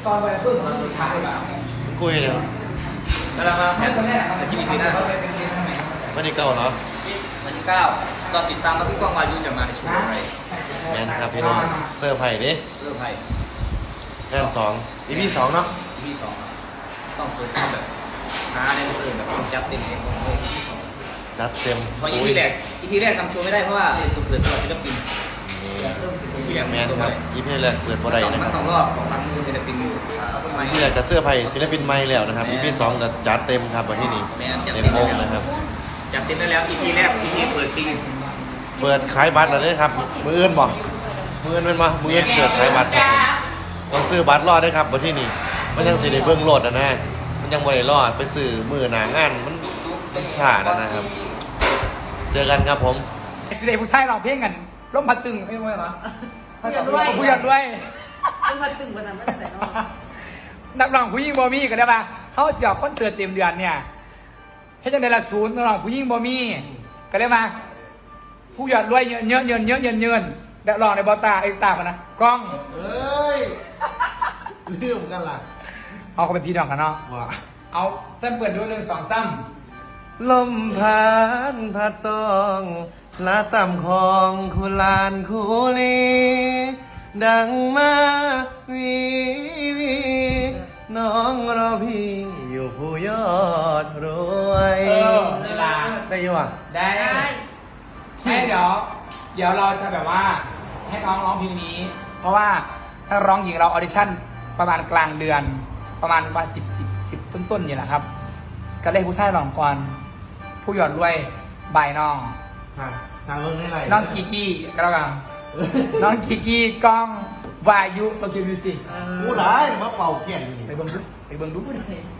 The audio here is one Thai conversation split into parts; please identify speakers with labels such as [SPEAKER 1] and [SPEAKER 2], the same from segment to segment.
[SPEAKER 1] ตอนไปเพิ่งเราถ่ายแบบ
[SPEAKER 2] กุยเนี่ย
[SPEAKER 3] แล้วเรามาแผนสกิปปีหน้า
[SPEAKER 2] วันที่เก้าเนาะ
[SPEAKER 3] วันที่9ก็ติดตามว่าพี่กล้องวายุจะมาในช่วงอะไร
[SPEAKER 2] แมนครับพี่น้องเสื้อร์ไผ่ดิ
[SPEAKER 3] เรื่องไพ่
[SPEAKER 2] งานอีพี2เนาะ
[SPEAKER 3] ที่2ต้องเปิดแบบหาในเปิดแบบจัดเต็มเองเลยที่2
[SPEAKER 2] จัดเต็ม
[SPEAKER 3] เพราะอีพีแรกทำโชว์ไม่ได้เพราะว่าตัวเปิดตัวศิลปินอีแรก
[SPEAKER 2] แมนครับอีพีแรกเปิดบ่ได้นะค
[SPEAKER 3] มั
[SPEAKER 2] รั
[SPEAKER 3] น
[SPEAKER 2] บ
[SPEAKER 3] ต้องรอบของทางมือศิลปินอยู่
[SPEAKER 2] อีพีแรกกับเสื้อร์ไผ่ศิลปินใหม่แล้วนะครับอีพี2ก็จัดเต็มครับวันที่นี้เต็มวงนะครับ
[SPEAKER 3] จัดเต็มได้แล้วอีพีแรกอีพีเปิดซิง
[SPEAKER 2] เปิดขายบัตรแล้วด้วยครับมืออื่นบอกมืออื่นเป็นมามืออื่นเปิดขายบัตรครับผมต้องซื้อบัตรรอดด้วยครับวันที่นี้มันยังสิได้เบื้องโหลดนะมันยังไม่ได้รอดไปซื้อมือหนางานมันช้าแล้วนะครับ เจอกันครับผม
[SPEAKER 1] สิเดผู้ชายเราเพลงกันร่มพัดตึงไม่รู้เหรอ
[SPEAKER 4] ผู้หญิงด้วย
[SPEAKER 1] ผู้หญิงด้วย
[SPEAKER 4] เป็นพันตึงวันนั้นไม่ได้ใส่นอก
[SPEAKER 1] นักร้องผู้หญิงบ่มีกันได้ปะเขาเสียคอนเสิร์ตเต็มเดือนเนี่ยให้จังไดละศูนย์นักร้องผู้หญิงบ่มีกันได้มาผู้หญิงด้วยเยอะเดี๋ยวลองในบอตาตากันนะกล้อง
[SPEAKER 2] เอ้ยเรื่องกันล่ะ
[SPEAKER 1] เอาเขาเป็นพี่น้องกันเนาะ
[SPEAKER 2] ว่า
[SPEAKER 1] เอาเส้นเปิดด้วย1 2 3
[SPEAKER 2] ลมผ่านพัดตองลาต่ำของคุลานคูลีดังมาวีวีน้องรอพี่อยู่ผู้ยอดรวย
[SPEAKER 1] เวลา
[SPEAKER 2] ได้ยังวะ
[SPEAKER 1] ได้
[SPEAKER 4] ได้
[SPEAKER 1] ให้เดี๋ยวเราจะแบบว่าให้น้องร้องเพลงนี้ เพราะว่าถ้าร้องหญิงเราออดิชั่นประมาณกลางเดือน ประมาณวัน10ต้นๆนี่แหละครับ ก็เลยผู้ชายร้องก่อนผู้หยอดรวยบายน้อง
[SPEAKER 2] ทางเรื่องได้ไร
[SPEAKER 1] น้องกิกกี้ก็แล้วกันน้องกิกกี้กล้องวายุโตเกียวมิวสิก
[SPEAKER 2] กูได้มาเป่าเขียนอยู่นี่
[SPEAKER 1] ไปเบิ่งดู
[SPEAKER 2] มัน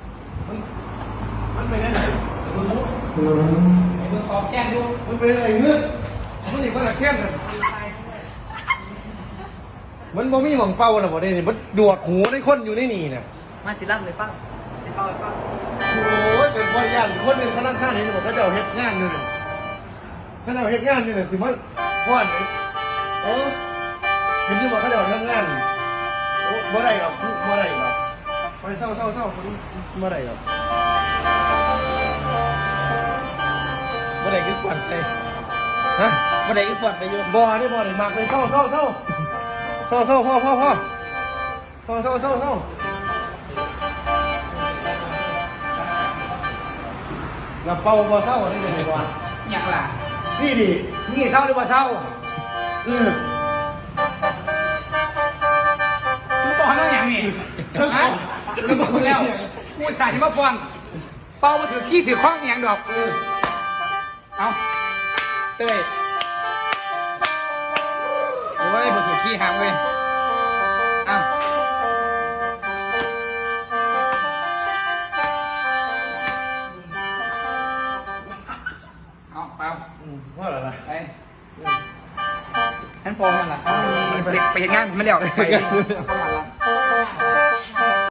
[SPEAKER 2] เป็นอะไร
[SPEAKER 1] ไปเบิ่งขอแค่นดู
[SPEAKER 2] มันเป็นอะไรเงือกมันอีกว่าแค่กันมันบ่มีหม่องเป่าหรอบ่ได้นี่มันดวกหูได้คนอยู่ในนี่น่ะ
[SPEAKER 4] มาสิล่ำเลยฟังสิเป้าเลยฟัง
[SPEAKER 2] โอ้ยเป็นคนย่านคนหนึ่งเขานั่งข้างนี่หนูเขาจะเอาเฮ็ดงานอยู่นี่เขาจะเอาเฮ็ดงานอยู่นี่สิมันพ่อนนี่โอ้เห็นอยู่ว่าเขาจะเอาทำงานโอ้บ่ได้หรอกบ่ได้หรอกไปเศร้าบ่ได้หรอก
[SPEAKER 1] บ่ได้คือปวดเลย
[SPEAKER 2] ฮะ
[SPEAKER 1] บ่ได้คือปวดไปอยู่
[SPEAKER 2] บ่ได้มากเลยเศร้าพ่อแล้วเป่าบ่เศร้าได้ยังไงวะ
[SPEAKER 1] อยากล่ะ
[SPEAKER 2] นี่ดิ
[SPEAKER 1] นี่เศร้าหรือว่าเศร้า
[SPEAKER 2] อือ
[SPEAKER 1] มึงบอกเขาอย่างนี้ฮะมึงบอกแล้วกูสายที่มาฟังเป่ามาถือขี้ถือข้องอย่างดอกเอาเต้ยโอ้ยมาถือขี้หางเว้ยอ้าวเอาเปล่า
[SPEAKER 2] ว่าอะไร
[SPEAKER 1] ไปนั่นโปรนั่นแหละไปเห็นงานผมไม่เลี้ยวเลยไปเข้ามาละ